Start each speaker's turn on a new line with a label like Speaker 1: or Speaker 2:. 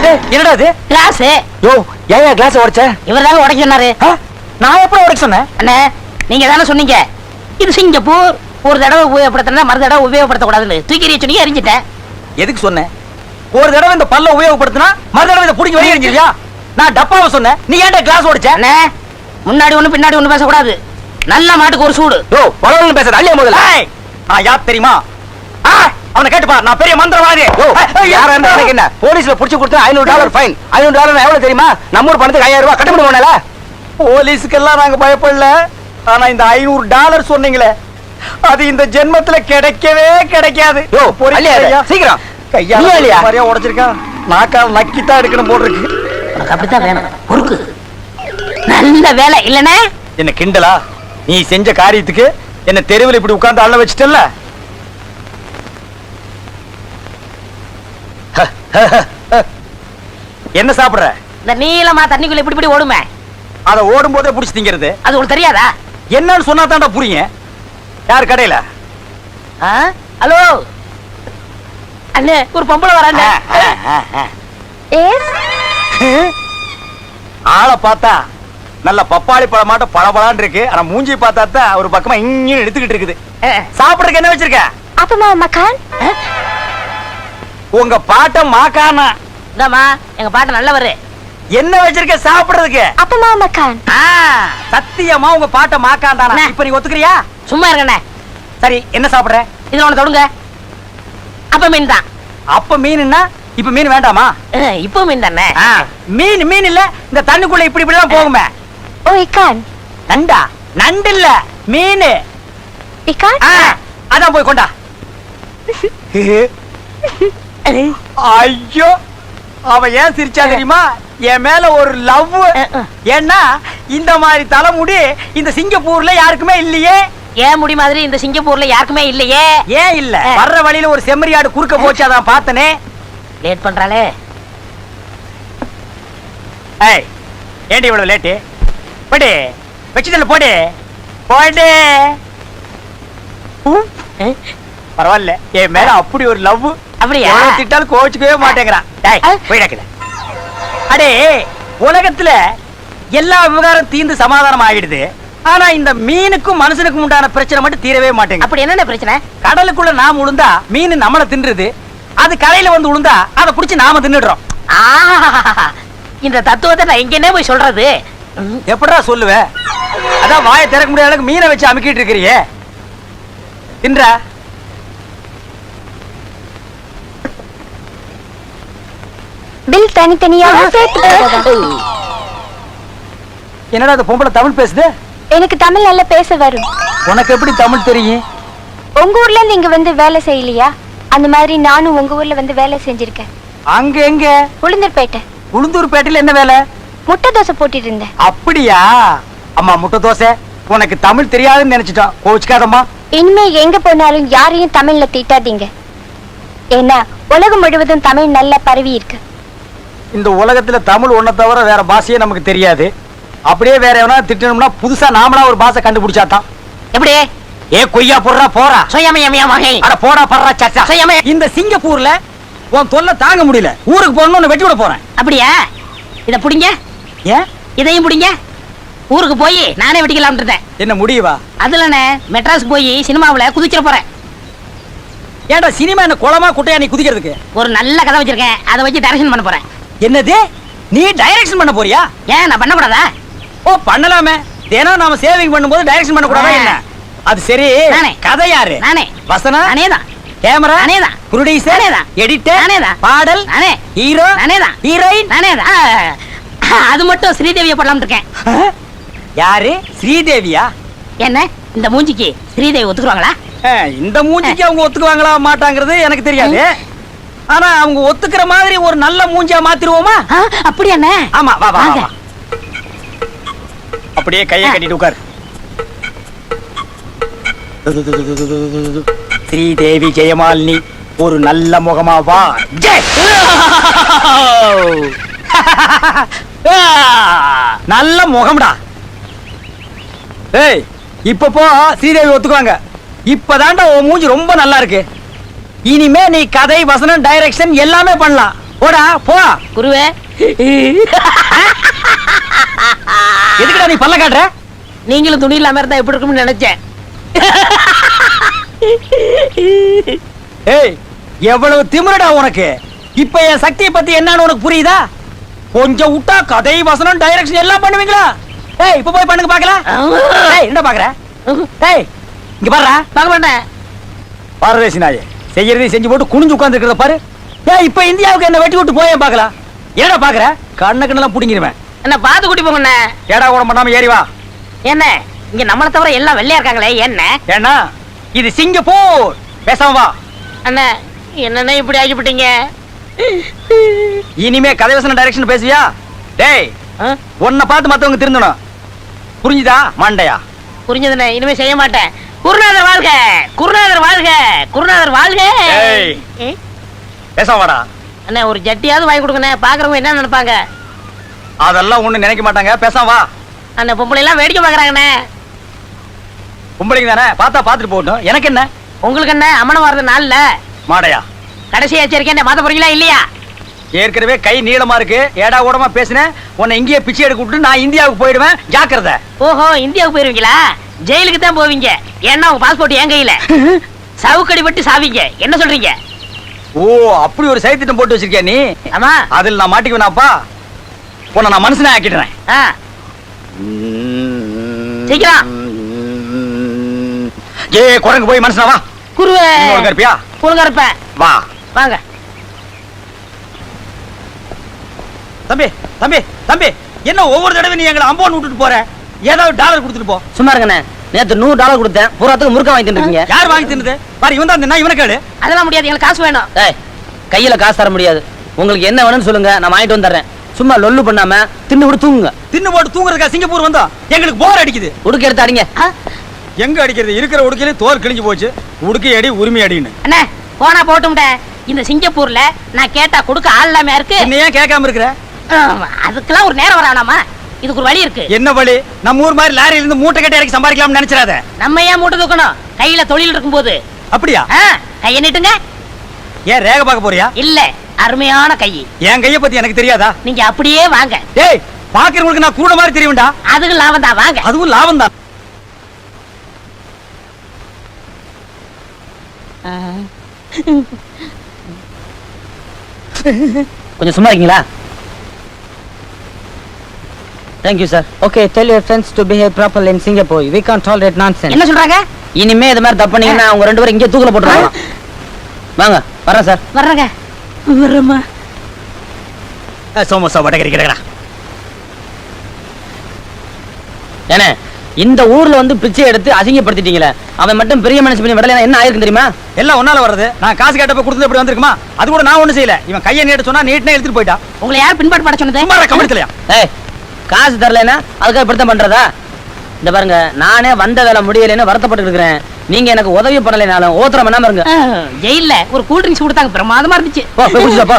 Speaker 1: என்னடா இது?
Speaker 2: கிளாஸ்.
Speaker 1: யோ, ஏன் கிளாஸ் உடைச்ச?
Speaker 2: இவர்தாங்க உடைக்க சொன்னாரு.
Speaker 1: நான் எப்ப உடைக்க சொன்னேன்?
Speaker 2: அண்ணே, நீங்க தானே சொன்னீங்க இது சிங்கப்பூர், ஒரு தடவை உபயோகப்படுத்தினா மறு தடவை உபயோகப்படுத்த கூடாதுன்னு. தூக்கி எறிய சொன்னீங்க, எரிஞ்சிட்டேன்.
Speaker 1: எதுக்கு சொன்னேன்? ஒரு தடவை இந்த பல்ல உபயோகப்படுத்தினா மறு தடவை இதை புடிங்க வெளியே எரிஞ்சிருக்கியா? நான் டப்பாவை சொன்னேன், நீ ஏன்டா கிளாஸ் உடைச்ச?
Speaker 2: அண்ணே, முன்னாடி ஒண்ணு பின்னாடி ஒண்ணு பேசக்கூடாது. நல்ல மாட்டுக்கு ஒரு சூடு.
Speaker 1: யோ, வளவளன்னு பேசுற அள்ளிய முதல்ல. நான் யார் தெரியுமா? அவனை கேட்டுப்பா, நான் பெரிய மந்திரவாதி. யாரா இருந்தா எனக்கு என்ன? போலீஸ்ல புடிச்சு கொடுத்தா $500 ஃபைன். $500 எவ்வளவு தெரியுமா? நம்ம ஊர் பணத்துக்கு 5000 ரூபாய் கட்ட முடியுமால? போலீஸ்க்கெல்லாம் நாங்க பயப்படல. ஆனா இந்த $500 சொன்னீங்களே, அது இந்த ஜென்மத்துல கிடைக்கவே கிடைக்காது. யோ, சீக்கிரம் கையா மாதிரியா உடைச்சிருக்கான். நாக்கால் நக்கித்தான் எடுக்கணும் போல் இருக்கு.
Speaker 2: அப்படித்தான் வேணும். பொறுக்கு. நல்ல வேலை இல்லனே.
Speaker 1: என்ன கிண்டலா? நீ செஞ்ச காரியத்துக்கு என்ன தெருவில் இப்படி உட்கார்ந்து அள்ள வச்சிட்டல்ல? என்ன சாப்பிடுற?
Speaker 2: இந்த நீளமா தண்ணிக்குள்ள இப்படி இப்படி ஓடுமே,
Speaker 1: அத ஓடும் போதே புடிச்சு திங்கிறது.
Speaker 2: அது உங்களுக்கு தெரியாதா?
Speaker 1: என்னன்னு சொன்னா தான்டா புரியுங்க. யார் கடையில?
Speaker 2: ஹலோ அண்ணே, ஒரு பொம்பளை வராங்க.
Speaker 1: ஆளை பார்த்தா நல்ல பப்பாளி பழமாட்ட பழபழான்னு இருக்கு. ஆனா மூஞ்சி பார்த்தா தான் ஒரு பக்கமா இங்க எடுத்துக்கிட்டு இருக்குது. சாப்பிடுறதுக்கு என்ன வச்சிருக்க?
Speaker 3: அப்பமா மக்கான்.
Speaker 1: உங்க பாட்ட மாக்கானா?
Speaker 2: இந்தாமா, எங்க பாட்டு நல்லவரு.
Speaker 1: என்ன வச்சிருக்க சாப்பிடுறதுக்கு?
Speaker 3: அப்பமா மக்கான்.
Speaker 1: சத்தியமா உங்க பாட்ட மாக்கான் தானா? இப்ப நீ ஒத்துக்கிறியா?
Speaker 2: சும்மா இருக்கண்ணே.
Speaker 1: சரி, என்ன சாப்பிடுற?
Speaker 2: இதுல ஒண்ணு தொடுங்க. அப்ப மீன் தான்.
Speaker 1: அப்ப மீன்னா இப்ப மீன் வேண்டாமா?
Speaker 2: இப்போ மீன் தானே.
Speaker 1: மீன் மீன் இல்ல, இந்த தண்ணிக்குள்ள இப்படி இப்படி தான் போகுமே.
Speaker 3: ஓ இக்கான்.
Speaker 1: நண்டா? நண்டு இல்ல, மீன்.
Speaker 3: இக்கான்?
Speaker 1: அதான் போய் கொண்டா. ஐயோ, அவ ஏன் சிரிச்சா தெரியுமா? என் மேல ஒரு லவ். ஏன்னா இந்த மாதிரி தலைமுடி இந்த சிங்கப்பூர்ல யாருக்குமே இல்லையே.
Speaker 2: ஏன் முடி மாதிரி இந்த சிங்கப்பூர்ல யாருக்குமே இல்லையே.
Speaker 1: ஏன் இல்ல? வர்ற வழியில ஒரு செம்மறியாடு குறுக்க போச்சு, அதான் பார்த்தனே.
Speaker 2: லேட் பண்றாளே.
Speaker 1: ஏய், ஏண்டி இவ்வளவு லேட்டு? போடு, வெச்சிடல போடு போடு. பரவாயில்ல, என் மேல அப்படி ஒரு லவ்.
Speaker 2: அப்படியா?
Speaker 1: திட்டாலும் கோச்சுக்கவே மாட்டேங்கிறான். போயிடாக்கல. அடே, உலகத்துல எல்லா விவகாரம் தீர்ந்து சமாதானம் ஆகிடுது. ஆனா இந்த மீனுக்கும் மனுஷனுக்கும் உண்டான பிரச்சனை மட்டும் தீரவே மாட்டேங்குது.
Speaker 2: அப்படி என்ன பிரச்சனை?
Speaker 1: கடலுக்குள்ள நாம உளுந்தா மீன் நம்மள தின்றுது. அது கரையில வந்து உளுந்தா அதை புடிச்சு நாம தின்னுடுறோம்.
Speaker 2: இந்த தத்துவத்தை நான் எங்கன்னே போய் சொல்றது?
Speaker 1: எப்படா சொல்லுவ? அதான் வாயை திறக்க முடியாத அளவுக்கு மீனை வச்சு அமுக்கிட்டு இருக்கிறியே. தின்றா?
Speaker 3: பில் தனித்தனியாக சேர்த்து போடுறதா?
Speaker 1: என்னடா அந்த பொம்பளை தமிழ் பேசுது?
Speaker 3: எனக்கு தமிழ் நல்லா பேச வரும்.
Speaker 1: உனக்கு எப்படி தமிழ் தெரியும்?
Speaker 3: உங்க ஊர்ல இருந்து இங்க வந்து வேலை செய்யலையா? அந்த மாதிரி நானும் உங்க ஊர்ல வந்து வேலை செஞ்சிருக்கேன்.
Speaker 1: அங்க எங்க?
Speaker 3: உளுந்தூர்பேட்டை.
Speaker 1: உளுந்தூர்பேட்டையில என்ன வேலை?
Speaker 3: முட்டை தோசை போட்டுட்டு இருந்தேன்.
Speaker 1: அப்படியா? அம்மா, முட்டை தோசை உனக்கு தமிழ் தெரியாதுன்னு நினைச்சிட்டான். கோச்சுக்காதம்மா.
Speaker 3: இனிமே எங்க போனாலும் யாரையும் தமிழ்ல திட்டாதீங்க. ஏன்னா உலகம் முழுவதும் தமிழ் நல்லா பரவி இருக்கு.
Speaker 1: இந்த உலகத்துல தமிழ் ஒன்ன தவிர வேற பாஷையே நமக்கு தெரியாது. அப்படியே வேற எவனா திட்டணும்னா புதுசா நாமளா ஒரு பாஷை கண்டுபிடிச்சாதான்.
Speaker 2: எப்படி?
Speaker 1: ஏ கொய்யா போடுறா போறா.
Speaker 2: அட
Speaker 1: போடா படுறா சச்சா. இந்த சிங்கப்பூர்ல உன் தொல்லை தாங்க முடியல. ஊருக்கு போகணும்னு வெட்டி விட போறேன்.
Speaker 2: அப்படியா? இத புடிங்க.
Speaker 1: ஏன்?
Speaker 2: இதையும் புடிங்க. ஊருக்கு போய் நானே வெட்டிக்கலாம் இருந்தேன்.
Speaker 1: என்ன முடியவா?
Speaker 2: அதுலனே மெட்ராஸ் போய் சினிமாவுல குதிச்சிட போறேன்.
Speaker 1: ஏன்டா சினிமா என்ன குளமா குட்டையா நீ குதிக்கிறதுக்கு?
Speaker 2: ஒரு நல்ல கதை வச்சிருக்கேன், அதை வச்சு டைரக்ஷன் பண்ண போறேன்.
Speaker 1: என்னது? நீ டைரக்ஷன் பண்ண போறியா?
Speaker 2: ஏன் நான் பண்ண கூடாதா?
Speaker 1: ஓ, பண்ணலாமே. தினம் நாம சேவிங் பண்ணும்போது டைரக்ஷன் பண்ண கூடாதா என்ன? அது சரி.
Speaker 2: நானே.
Speaker 1: கதை யாரு?
Speaker 2: நானே.
Speaker 1: வசனம்
Speaker 2: நானே தான்.
Speaker 1: கேமரா
Speaker 2: நானே தான்.
Speaker 1: ப்ரொடியூசர்
Speaker 2: நானே தான்.
Speaker 1: எடிட்டர்
Speaker 2: நானே தான்.
Speaker 1: பாடல்
Speaker 2: நானே.
Speaker 1: ஹீரோ
Speaker 2: நானே தான்.
Speaker 1: ஹீரோயின்
Speaker 2: நானே தான். அது மட்டும் ஸ்ரீதேவியை பண்ணலாம்னு இருக்கேன்.
Speaker 1: யாரு? ஸ்ரீதேவியா?
Speaker 2: என்ன இந்த மூஞ்சிக்கு ஸ்ரீதேவி ஒத்துக்குவாங்களா?
Speaker 1: இந்த மூஞ்சிக்கு அவங்க ஒத்துக்குவாங்களா மாட்டாங்கிறது எனக்கு தெரியாது. ஆனா அவங்க ஒத்துக்கிற மாதிரி ஒரு நல்ல மூஞ்சியா மாத்திருவோமா?
Speaker 2: அப்படியா?
Speaker 1: ஆமா, வா வா வா. அப்படியே கையை கட்டிட்டு உட்கார். ஸ்ரீதேவி ஜெயமாலினி ஒரு நல்ல முகமா வா. நல்ல முகம்டா. ஏய், இப்ப போ, ஸ்ரீதேவி ஒத்துக்குவாங்க. இப்பதான்டா உன் மூஞ்சி ரொம்ப நல்லா இருக்கு. இனிமே நீ கதை, வசனம், டைரக்ஷன் எல்லாமே பண்ணலாம். போடா போ.
Speaker 2: குருவே
Speaker 1: எதுக்குடா நீ பல்ல காட்டுற?
Speaker 2: நீங்களும் துணி இல்லாம இருந்தா எப்படி இருக்கும்னு நினைச்சேன்.
Speaker 1: ஏய், எவ்வளவு திமிரடா உனக்கு. இப்ப என் சக்தியை பத்தி என்னன்னு உனக்கு புரியுதா? கொஞ்சம் விட்டா கதை வசனம் டைரக்ஷன் எல்லாம் பண்ணுவீங்களா? ஏய், இப்ப போய் பண்ணுங்க பாக்கலாம். ஏய், என்ன பாக்குற? ஏய், இங்க பாருடா.
Speaker 2: பார்க்க மாட்டேன்.
Speaker 1: பாரதேசி நாயே, செய்யறதையும் செஞ்சு போட்டு குனிஞ்சு உட்கார்ந்து இருக்கிறத பாரு. ஏய், இப்ப இந்தியாவுக்கு என்ன வெட்டி விட்டு போய் பாக்கலாம். என்னடா பாக்குற? கண்ண கண்ணெல்லாம் புடிங்கிருவேன்.
Speaker 2: என்ன பார்த்து கூட்டி போங்கண்ணே.
Speaker 1: ஏடா கூட பண்ணாம ஏறி வா.
Speaker 2: என்ன இங்க நம்மளை தவிர எல்லாம் வெள்ளையா இருக்காங்களே என்ன?
Speaker 1: ஏன்னா இது சிங்கப்பூர். பேசாம வா.
Speaker 2: அண்ணா என்னண்ணே இப்படி ஆகிவிட்டீங்க?
Speaker 1: இனிமே கதை வசனம் டைரக்ஷன் பேசுவியா? டேய், உன்னை பார்த்து மத்தவங்க திருந்தணும். புரிஞ்சுதா மண்டையா?
Speaker 2: புரிஞ்சதுண்ணே, இனிமே செய்ய மாட்டேன். குருநாதர் வாழ்க, குருநாதர் வாழ்க, குருநாதர் வாழ்க.
Speaker 1: ஏய். பேசாம வாடா.
Speaker 2: அண்ணா ஒரு ஜட்டியாவது வாங்கி கொடுங்கண்ணே. பாக்குறவங்க என்ன நினைப்பாங்க?
Speaker 1: அதெல்லாம் ஒண்ணு நினைக்க மாட்டாங்க. பேசாம வா.
Speaker 2: அண்ணா பொம்பளை எல்லாம் வேடிக்கை பாக்குறாங்கண்ணே.
Speaker 1: பொம்பளைங்க தானே, பார்த்தா பார்த்துட்டு போகட்டும். எனக்கு என்ன?
Speaker 2: உங்களுக்கு என்ன அம்மனம் வர்றது நாள்ல
Speaker 1: மாடையா,
Speaker 2: கடைசி எச்சரிக்கை மாத்த போறீங்களா இல்லையா?
Speaker 1: ஏற்கனவே கை நீளமா இருக்கு. ஏடா கூடமா பேசினேன். உன்னை இங்கேயே பிச்சை எடுக்க விட்டு நான் இந்தியாவுக்கு போயிடுவேன். ஜாக்கிரதை.
Speaker 2: ஓஹோ, இந்தியாவுக்கு போயிருவீங்களா? ஜெயிலுக்கு தான் போவீங்க. ஏன்னா உங்க பாஸ்போர்ட் என் கையில. சவுக்கடி பட்டு சாவீங்க. என்ன சொல்றீங்க?
Speaker 1: ஓ, அப்படி ஒரு சைத்திட்டம் போட்டு வச்சிருக்கியா நீ?
Speaker 2: ஆமா.
Speaker 1: அதில் நான் மாட்டிக்குவேனாப்பா? உன்னை நான் மனுஷனே ஆக்கிடுறேன்.
Speaker 2: ஆ, சீக்கிரம்.
Speaker 1: ஏ குரங்கு போய் மனுஷனா வா.
Speaker 2: குருவே
Speaker 1: ஒழுங்கா இருப்பியா?
Speaker 2: ஒழுங்கா இருப்பேன்.
Speaker 1: வா.
Speaker 2: வாங்க.
Speaker 1: தம்பி தம்பி தம்பி, என்ன ஒவ்வொரு தடவை நீ எங்களை அம்போன் விட்டுட்டு போற? ஏதாவது டாலர் கொடுத்துட்டு போ.
Speaker 2: சும்மா இருங்கண்ணே. நேத்து $100 கொடுத்தேன். பூராத்துக்கு முறுக்க வாங்கி தின்னுருக்கீங்க.
Speaker 1: யார் வாங்கி தின்னது? பாரு, இவன் தான் தின்னா. இவனை கேளு.
Speaker 2: அதெல்லாம் முடியாது, எங்களுக்கு காசு வேணும்.
Speaker 4: ஏய், கையில காசு தர முடியாது. உங்களுக்கு என்ன வேணும்னு சொல்லுங்க, நான் வாங்கிட்டு வந்துடுறேன். சும்மா லொல்லு பண்ணாம தின்னு விட்டு தூங்குங்க.
Speaker 1: தின்னு போட்டு தூங்குறதுக்கா சிங்கப்பூர் வந்தோம்? எங்களுக்கு போர் அடிக்குது.
Speaker 4: உடுக்க எடுத்து அடிங்க.
Speaker 2: ஆ?
Speaker 1: எங்க அடிக்கிறது? இருக்கிற உடுக்கையில தோல் கிழிஞ்சு போச்சு. உடுக்கை அடி, உரிமை அடின்னு.
Speaker 2: அண்ணே போனா போட்டும்ட. இந்த சிங்கப்பூர்ல நான் கேட்டா கொடுக்க ஆள் இல்லாம இருக்கு.
Speaker 1: என்ன ஏன் கேட்காம இருக்கிற?
Speaker 2: அதுக்கெல்லாம் ஒரு நேரம் வரானாமா? இதுக்கு ஒரு வழி இருக்கு.
Speaker 1: என்ன வழி? நம்ம ஊர் மாதிரி லாரியில இருந்து மூட்டை கட்டி இறக்கி சம்பாதிக்கலாம்னு நினைச்சிடாத.
Speaker 2: நம்ம ஏன் மூட்டை தூக்கணும்? கையில தொழில் இருக்கும்போது.
Speaker 1: அப்படியா?
Speaker 2: கையை நீட்டுங்க.
Speaker 1: ஏன் ரேக பார்க்க போறியா?
Speaker 2: இல்ல, அருமையான கை.
Speaker 1: என் கைய பத்தி எனக்கு தெரியாதா?
Speaker 2: நீங்க அப்படியே வாங்க.
Speaker 1: டேய், பாக்குறவங்களுக்கு நான் கூட மாதிரி தெரியும்டா.
Speaker 2: அதுக்கு லாபம் தான், வாங்க.
Speaker 1: அதுவும் லாபம் தான்.
Speaker 4: கொஞ்சம் சும்மா இருக்கீங்களா? Thank you sir. Okay, tell your friends to behave properly in Singapore. We can't tolerate nonsense.
Speaker 2: என்ன சொல்றாங்க?
Speaker 4: இனிமே இது மாதிரி தப்பு பண்ணீங்கன்னா அவங்க ரெண்டு பேரும் இங்கே தூக்கல போட்டுருவாங்க. வாங்க, வரேன் சார்.
Speaker 2: வர்றங்க. வர்றமா.
Speaker 1: சோமோசா வடகரி கிடக்குறா.
Speaker 4: ஏனே, இந்த ஊர்ல வந்து பிச்சை எடுத்து அசிங்கப்படுத்திட்டீங்களே, அவன் மட்டும் பெரிய மனுஷன் பண்ணி விடலைன்னா என்ன ஆயிருக்கு தெரியுமா?
Speaker 1: எல்லாம் ஒன்னால வர்றது. நான் காசு கேட்டப்ப கொடுத்தது எப்படி வந்திருக்குமா? அது கூட நான் ஒண்ணும் செய்யல. இவன் கையை நீட்ட சொன்னா நீட்னே எடுத்துட்டு போயிட்டா.
Speaker 2: உங்களை யார் பின்பாடு பட சொன்னது?
Speaker 1: சும்மா கமெண்ட்லயா?
Speaker 4: ஏய், காசு தரலைன்னா அதுக்காக இப்படித்தான் பண்றதா? இந்த பாருங்க, நானே வந்த வேலை முடியலைன்னு வருத்தப்பட்டு இருக்கிறேன். நீங்க எனக்கு உதவி பண்ணலைனாலும் ஓத்திரம் பண்ணாம இருங்க.
Speaker 2: ஜெயில்ல ஒரு கூல் ட்ரிங்க்ஸ் கொடுத்தாங்க, பிரமாதமா இருந்துச்சு.
Speaker 4: போ, போய் குடிச்சுட்டு வா, போ.